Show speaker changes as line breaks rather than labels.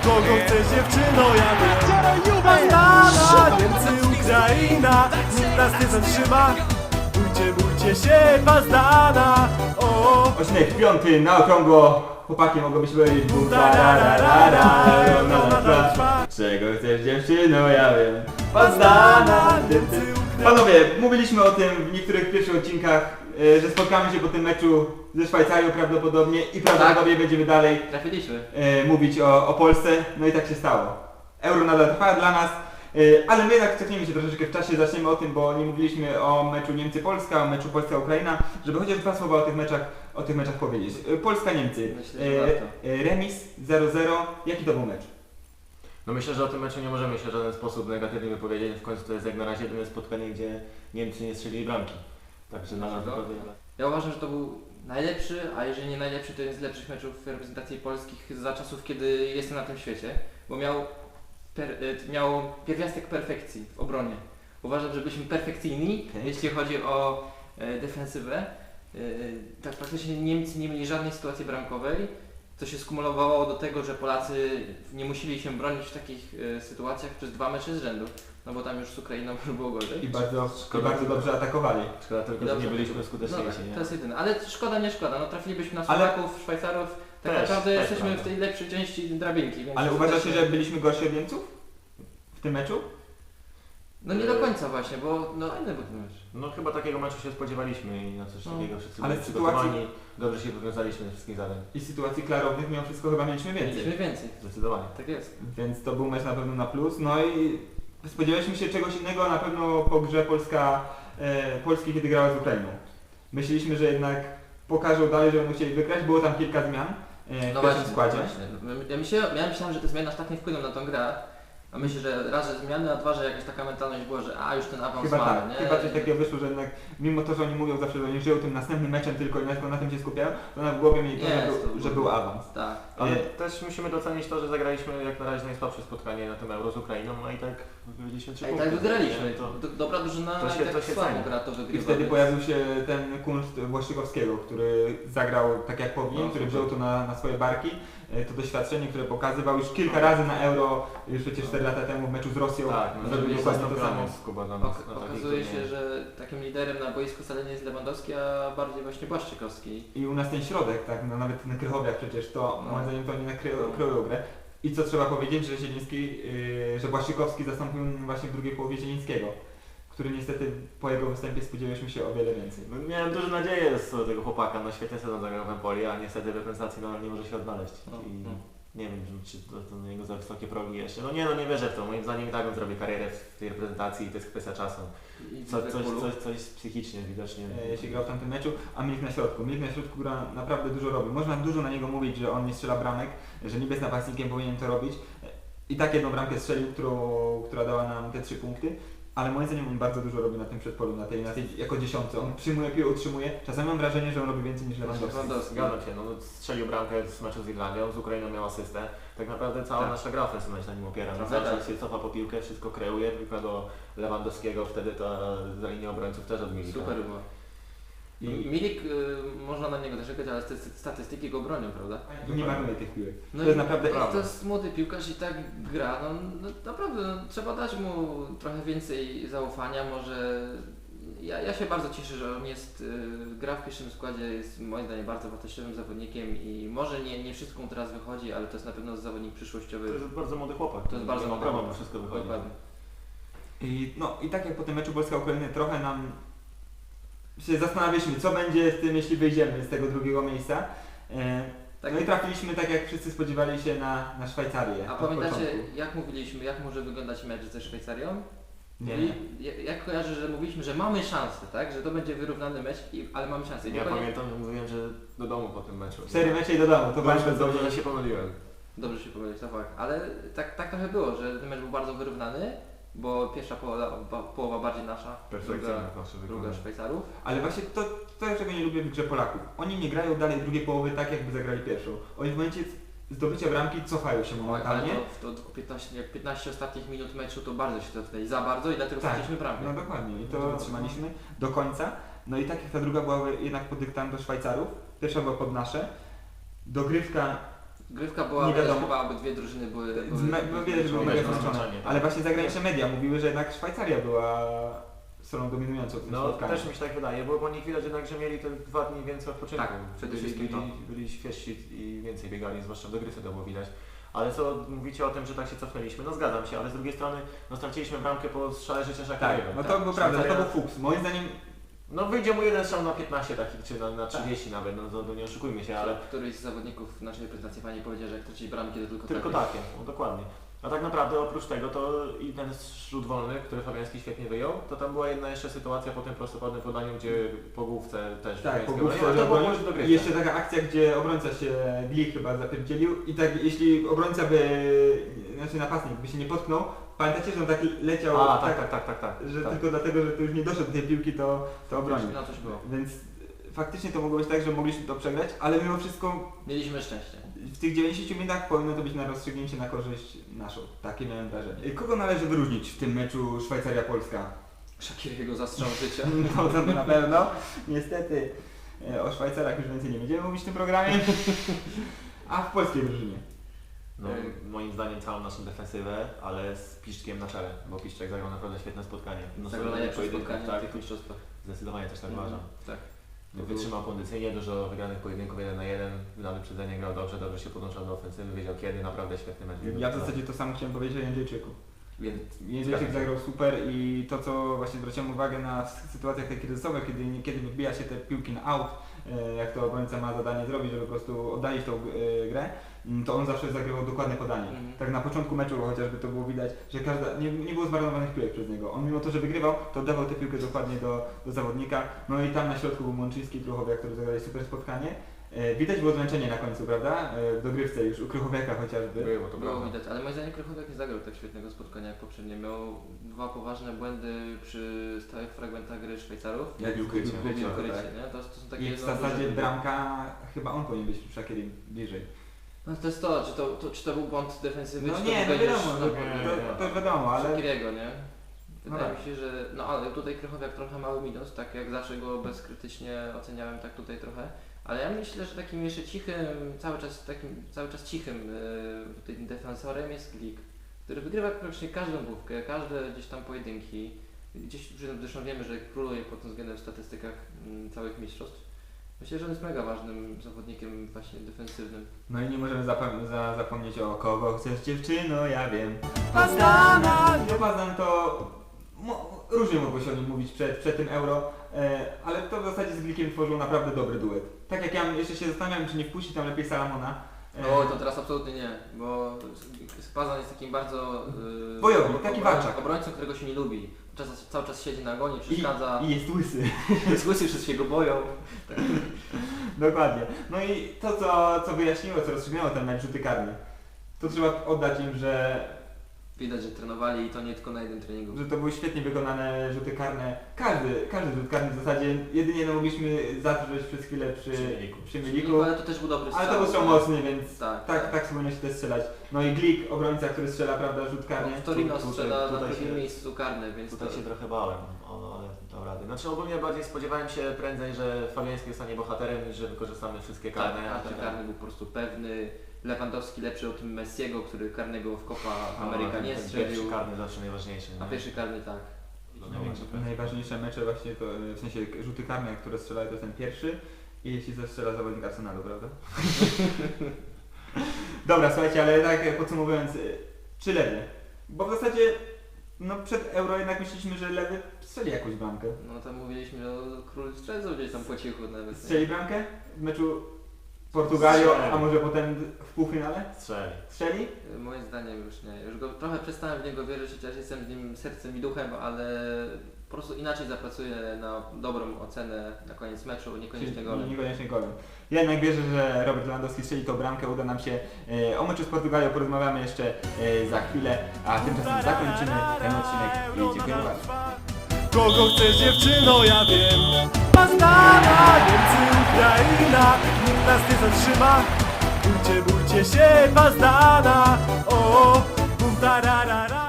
Kogo chcesz dziewczyno, ja wiem. Bandana, Niemcy, Ukraina, nikt nas nie zatrzyma. Bójcie się, Bandana. O,
Odcinek 5 na okrągło. Chłopaki mogą być powiedzieć bum, czego chcesz dziewczyno, ja wiem. Bandana, Niemcy, Ukraina. Panowie, mówiliśmy o tym w niektórych pierwszych odcinkach, że spotkamy się po tym meczu ze Szwajcarią prawdopodobnie i prawdopodobnie będziemy dalej
Trafiliśmy.
mówić o Polsce, no i tak się stało. Euro nadal trwa dla nas, ale my jednak cofniemy się troszeczkę w czasie, zaczniemy o tym, bo nie mówiliśmy o meczu Niemcy-Polska, o meczu Polska-Ukraina, żeby chociaż dwa słowa o tych meczach powiedzieć. Polska-Niemcy,
Myślę, że warto.
remis 0-0, jaki to był mecz?
No myślę, że o tym meczu nie możemy się w żaden sposób negatywnie wypowiedzieć. W końcu to jest jak na razie jedyne spotkanie, gdzie Niemcy nie strzelili bramki. Także na nas naprawdę...
Ja uważam, że to był najlepszy, a jeżeli nie najlepszy, to jeden z lepszych meczów reprezentacji polskich za czasów, kiedy jestem na tym świecie, bo miał pierwiastek perfekcji w obronie. Uważam, że byliśmy perfekcyjni, jeśli chodzi o defensywę. Tak praktycznie Niemcy nie mieli żadnej sytuacji bramkowej, co się skumulowało do tego, że Polacy nie musieli się bronić w takich sytuacjach przez 2 mecze z rzędu, no bo tam już z Ukrainą już było gorzej.
I bardzo dobrze atakowali.
Szkoda tylko, że nie byliśmy skuteczniejsi.
No,
Nie?
to jest jedyne, ale szkoda, nie szkoda, no trafilibyśmy na Słowaków, Szwajcarów, tak
Też,
naprawdę
też
jesteśmy
prawda.
w tej lepszej części drabinki. Więc
Ale uważacie, że byliśmy gorsi od Niemców w tym meczu?
No nie do końca właśnie, bo no inny był ten mecz.
No chyba takiego meczu się spodziewaliśmy i na coś takiego wszyscy
Ale
byli
sytuacji-
przygotowani. Dobrze się wywiązaliśmy ze wszystkich zadań.
I sytuacji klarownych mimo wszystko chyba mieliśmy więcej.
Mieliśmy więcej,
Zdecydowanie.
tak jest.
Więc to był mecz na pewno na plus. No i spodziewaliśmy się czegoś innego na pewno po grze Polski, kiedy grała z Ukrainą. Myśleliśmy, że jednak pokażą dalej, że będą chcieli wygrać. Było tam kilka zmian w pierwszym składzie.
Właśnie. Ja myślałem, że te zmiany aż tak nie wpłyną na tą grę. A myślę, że raz, że zmiany, a dwa, że jakaś taka mentalność była, że już ten awans
Chyba
mamy,
tak,
nie?
chyba coś takiego wyszło, że jednak mimo to, że oni mówią zawsze, że oni żyją tym następnym meczem tylko i na tym się skupiają, to na w głowie mieli to, że był awans.
Tak.
Ale też musimy docenić to, że zagraliśmy jak na razie najsłabsze spotkanie na tym Euro z Ukrainą, no i tak wygraliśmy 3
I
punkty.
tak wygraliśmy.
Nie? To...
Dobra drużyna,
to się-
jak
to się
słabo
ceni.
gra, to
I
wygrywa.
wtedy
więc-
pojawił się ten kunszt Błaszczykowskiego, który zagrał tak jak powinien,
No,
który
super.
wziął to na swoje barki. To doświadczenie, które pokazywał już kilka razy na Euro, już przecież 4 lata temu w meczu z Rosją,
Tak, no,
zrobił dokładnie to samo.
Kuba dla nas, na takich
Okazuje się,
turniejach.
że takim liderem na boisku wcale nie jest Lewandowski, a bardziej właśnie Błaszczykowski.
I u nas ten środek, tak, no nawet na Krychowiach przecież to,
No.
moim zdaniem to oni nakryją grę. I co trzeba powiedzieć, że Zieliński, że Błaszczykowski zastąpił właśnie w drugiej połowie Zielińskiego, który niestety po jego występie spodziewaliśmy się o wiele więcej.
No, miałem duże nadzieje z tego chłopaka, no świetnie sezon zagrał w Empoli, a niestety w reprezentacji no, nie może się odnaleźć. I nie wiem, czy to na niego za wysokie progi jeszcze. No nie wierzę w to. Moim zdaniem i tak on zrobi karierę w tej reprezentacji i to jest kwestia czasu.
I
Coś psychicznie widocznie.
Jeśli grał w tamtym meczu, a Milik na środku. Milik na środku gra naprawdę dużo robi. Można dużo na niego mówić, że on nie strzela bramek, że niby jest napastnikiem, powinien to robić. I tak jedną bramkę strzelił, która dała nam te 3 punkty. Ale moim zdaniem on bardzo dużo robi na tym przedpolu, na tej jako dziesiątce. On przyjmuje piłę, utrzymuje. Czasami mam wrażenie, że on robi więcej niż Lewandowski.
Zgadzam się, no strzelił bramkę z meczu z Irlandią, z Ukrainą miał asystę. Tak naprawdę cała
Tak.
nasza gra ofensywna się na nim opiera. No,
Trochę
cały
tak.
czas się cofa po piłkę, wszystko kreuje, tylko do Lewandowskiego, wtedy to za linię obrońców też odmieni.
Super było. I Milik, można na niego narzekać, ale te statystyki go bronią, prawda?
I nie marnuje tych piłek.
No
To jest
i
naprawdę
to jest młody piłkarz i tak gra, no naprawdę trzeba dać mu trochę więcej zaufania, może... Ja się bardzo cieszę, że on gra w pierwszym składzie, jest moim zdaniem bardzo wartościowym zawodnikiem i może nie wszystko mu teraz wychodzi, ale to jest na pewno zawodnik przyszłościowy.
To jest bardzo młody chłopak.
To jest bardzo młody
prawo,
chłopak.
wszystko wychodzi.
Dokładnie.
I tak jak po tym meczu Polska-Ukrainy trochę nam się zastanawialiśmy, co będzie z tym, jeśli wyjdziemy z tego drugiego miejsca.
Tak.
No i trafiliśmy tak jak wszyscy spodziewali się na Szwajcarię.
A
od
pamiętacie,
początku.
jak mówiliśmy, jak może wyglądać mecz ze Szwajcarią?
Nie.
Jak kojarzę, że mówiliśmy, że mamy szansę, tak? Że to będzie wyrównany mecz, ale mamy szansę. I
Ja
dokładnie-
pamiętam, że mówiłem, że do domu po tym meczu.
4 mecze i do domu, to
Bardzo
bardzo
dobrze, że się pomyliłem.
Dobrze się powiedzieć, to fakt. Ale tak trochę było, że ten mecz był bardzo wyrównany, bo pierwsza połowa bardziej nasza,
Perfekcyjne nasze
druga
wykonanie.
Szwajcarów.
Ale właśnie to, czego nie lubię w grze Polaków. Oni nie grają dalej drugiej połowy tak, jakby zagrali pierwszą. Oni w momencie zdobycia bramki cofają się
Ale
momentalnie.
to 15 ostatnich minut meczu to bardzo się cofnęli, za bardzo i dlatego
Tak.
straciliśmy bramkę.
No dokładnie i to trzymaliśmy do końca. No i tak jak ta druga była jednak pod dyktando Szwajcarów, pierwsza była pod nasze. Dogrywka
Grywka była,
Nie wiadomo.
chyba obydwie drużyny były
Widać, że były mega
zmęczone.
zmęczone. Ale właśnie zagraniczne media mówiły, że jednak Szwajcaria była stroną dominującą w tym
No
spotkaniu.
też mi się tak wydaje, bo po nich widać jednak, że mieli te 2 dni więcej odpoczynku.
Tak, przede wszystkim
byli świeżsi i więcej biegali, zwłaszcza w dogrywce to było widać. Ale co mówicie o tym, że tak się cofnęliśmy? No zgadzam się, ale z drugiej strony no straciliśmy bramkę po strzale życia
Tak,
Shaqiriego.
no to było prawda, to
Szwajcaria-
był fuks. Moim zdaniem
No wyjdzie mu jeden strzał na 15 takich, czy na 30 nawet, no to nie oszukujmy się, ale
Któryś z zawodników naszej prezentacji pani powiedział, że jak traci bramki to tylko
tylko
takie.
takie, no dokładnie. A tak naprawdę oprócz tego to i ten rzut wolny, który Fabiański świetnie wyjął, to tam była jedna jeszcze sytuacja po tym prostokątnym podaniu, gdzie po główce też
tak, po
Fabiańskiego
główce,
wyjął, ale to było
obronił.
już dogrywka.
I jeszcze taka akcja, gdzie obrońca się Glik chyba zapierdzielił i tak jeśli obrońca by, znaczy napastnik by się nie potknął, pamiętacie, że on tak leciał,
A, tak.
że
tak.
tylko dlatego, że to już nie doszedł do tej piłki, to obronił.
No coś było.
Więc faktycznie to mogło być tak, że mogliśmy to przegrać, ale mimo wszystko
Mieliśmy szczęście.
w tych 90 minutach powinno to być na rozstrzygnięcie na korzyść naszą. Takie miałem wrażenie. Kogo należy wyróżnić w tym meczu Szwajcaria-Polska?
Shaqiriego zastrzał życia.
No to na pewno. Niestety o Szwajcarach już więcej nie będziemy mówić w tym programie. A w polskiej drużynie.
No, moim zdaniem całą naszą defensywę, ale z Piszczkiem na czele, bo Piszczek zagrał naprawdę świetne spotkanie. No,
Zagrał najlepsze
pojedynków,
spotkanie
tak,
w tych mistrzostwach.
zdecydowanie też tak uważam.
Tak.
Wytrzymał kondycyjnie, dużo wygranych pojedynków 1 na 1, na wyprzedzenie grał dobrze się podłączał do ofensywy, wiedział kiedy, naprawdę świetny mecz.
Ja w zasadzie to samo chciałem powiedzieć o Jędrzejczyku.
Więc
Jędrzejczyk zagrał super i to co właśnie zwróciłem uwagę na sytuacjach takich kryzysowych, kiedy wybija się te piłki na out, jak to obrońca ma zadanie zrobić, żeby po prostu oddalić tą grę, to on zawsze zagrywał dokładne podanie. Tak na początku meczu chociażby to było widać, że nie było zmarnowanych piłek przez niego. On mimo to, że wygrywał, to oddawał tę piłkę dokładnie do zawodnika. No i tam na środku był Mączyński i Krychowiak, którzy zagrali super spotkanie. Widać było zmęczenie na końcu, prawda? W dogrywce już u Krychowiaka chociażby.
było to
Było
prawda.
widać, ale moim zdaniem Krychowiak nie zagrał tak świetnego spotkania jak poprzednie. Miał 2 poważne błędy przy stałych fragmentach gry Szwajcarów.
Jak ukrycie.
Ukrycie,
tak.
nie? To są takie
I w
jedno
zasadzie
duże-
bramka, chyba on powinien być przy Shakirim bliżej.
No to jest to, czy to był błąd defensywny,
No
czy
nie,
to
no
był
wiadomo, to już wiadomo, ale
Shaqiriego, nie? Wydaje
tak.
mi się, że no ale tutaj Krychowiak trochę mały minus, tak jak zawsze go bezkrytycznie oceniałem, tak tutaj trochę. Ale ja myślę, że takim jeszcze cichym, cały czas cichym tym defensorem jest Glik, który wygrywa praktycznie każdą główkę, każde gdzieś tam pojedynki. Gdzieś zresztą wiemy, że króluje pod tym względem w statystykach całych mistrzostw. Myślę, że on jest mega ważnym zawodnikiem właśnie defensywnym.
no i nie możemy zapomnieć o kogo chcesz dziewczyno, ja wiem. Pazdana! No Pazdan to różnie mogło się o nim mówić przed tym Euro, ale to w zasadzie z Glikiem tworzył naprawdę dobry duet. Tak jak ja jeszcze się zastanawiam, czy nie wpuścić tam lepiej Salamona.
O, to teraz absolutnie nie, bo Pazdan jest takim bardzo
Bojownik, taki walczak.
obrońcą, którego się nie lubi. Cały czas siedzi na gonie, przeszkadza,
I jest łysy.
słyszy, wszyscy się go boją.
Dokładnie. No i to co wyjaśniło, co rozstrzygnęło ten mecz rzuty karne, to trzeba oddać im, że
Widać, że trenowali i to nie tylko na jednym treningu.
to były świetnie wykonane rzuty karne. Każdy rzut karny w zasadzie, jedynie no mogliśmy zatrzeć przez chwilę przy Miliku.
Ale to też był dobry strzał.
Ale to był strzał mocny, więc
Tak.
tak powinno się też strzelać. No i Glik, obrońca, który strzela, prawda, rzut karny.
W Torino
Tutaj-
strzela na
tutaj
drugim
się-
miejscu karne, więc
Tutaj
to...
się trochę bałem, ale dał radę. Znaczy ogólnie bardziej spodziewałem się prędzej, że Fabiański zostanie bohaterem niż że wykorzystamy wszystkie
Tak,
karne.
a ten karny był po prostu pewny. Lewandowski lepszy od Messiego, który karnego w Copa Ameryka nie strzelił.
Pierwszy karny zawsze najważniejszy.
A
nie?
pierwszy karny tak.
To największy prezent.
Najważniejsze mecze właśnie to, w sensie rzuty karne, które strzelają, to jest ten pierwszy i jeśli zastrzela zawodnik Arsenalu, prawda? Dobra, słuchajcie, ale tak podsumowując, czy Lewy? Bo w zasadzie no przed Euro jednak myśleliśmy, że Lewy strzeli jakąś bramkę.
No tam mówiliśmy o król strzelców gdzieś tam po cichu nawet. nie?
Strzeli bramkę w meczu Portugalią,
Strzeli.
a może potem w półfinale?
Strzeli.
Strzeli?
Moim zdaniem już nie. Już go trochę przestałem w niego wierzyć, chociaż jestem z nim sercem i duchem, ale po prostu inaczej zapracuję na dobrą ocenę na koniec meczu, niekoniecznie golem.
Niekoniecznie golem. Ja jednak wierzę, że Robert Lewandowski strzeli tą bramkę, uda nam się. O meczu z Portugalią porozmawiamy jeszcze za chwilę, a tymczasem zakończymy ten odcinek i dziękuję bardzo.
Kogo chcesz dziewczyno, ja wiem. Pazdana, Niemcy, Ukraina, nikt nas nie zatrzyma. Bójcie się, Pazdana, o, bum tararara.